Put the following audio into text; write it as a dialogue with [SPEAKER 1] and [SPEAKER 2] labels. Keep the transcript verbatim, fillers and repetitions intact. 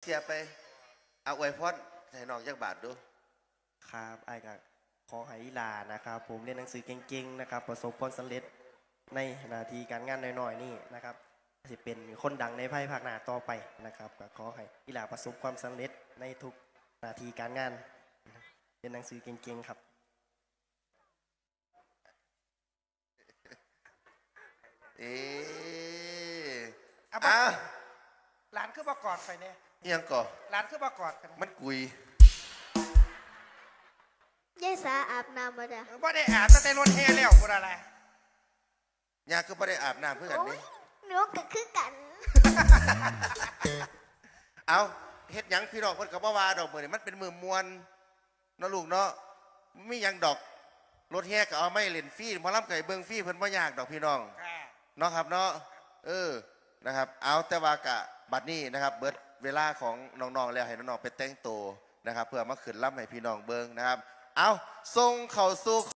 [SPEAKER 1] สียไปเอาอวยพรให้น้องจักบาทดู
[SPEAKER 2] ครับไอ้ก็ขอให้อีหลานะครับผมเรียนหนังสือเก่งๆนะครับประสบผลสำเร็จในหน้าที่การงานน้อยๆนี่นะครับจะเป็นคนดังในภายภาคหน้าต่อไปนะครับก็ขอให้อีหลาประสบความสำเร็จในทุกหน้าที่การงานเรียนหนังสือเก่งๆครับ
[SPEAKER 1] เอ๊ะ
[SPEAKER 3] เอา
[SPEAKER 1] อ้าว
[SPEAKER 3] หลานขึ้นมากอดไปเนี่ย
[SPEAKER 1] ยังก่อ
[SPEAKER 3] หลานขึ้นมากอดกัน
[SPEAKER 1] มันกุย
[SPEAKER 4] ยายสาอาบน้ำมาจ้ะ
[SPEAKER 3] ว่าได้อาบตั้งแต่รถแห่แล้วกูอะไร
[SPEAKER 1] ยาก็ไม่ได้อาบน้ำเพื่อกัน
[SPEAKER 4] โอ้
[SPEAKER 1] นี่
[SPEAKER 4] ยหนูก็คือกัน
[SPEAKER 1] เอาเฮ็ดหยังพี่น้องเพิ่นก็บ่ว่าดอกมื้อนี้มันเป็นมือมวนเนาะลูกเนาะมีหยังดอกรถแห่ก็เอาไม่เล่นฟรีหมอลำไก่เบิ่งฟรีเพิ่นบ่ยากดอกพี่น้องเนาะครับเนาะเออนะครับเอาแต่ว่ากะบัดนี้นะครับเบิดเวลาของน้องๆแล้วให้น้องๆไปแต่งตัวนะครับเพื่อมาขึ้นลำให้พี่น้องเบิ่งนะครับเอาส่งเข้าสู่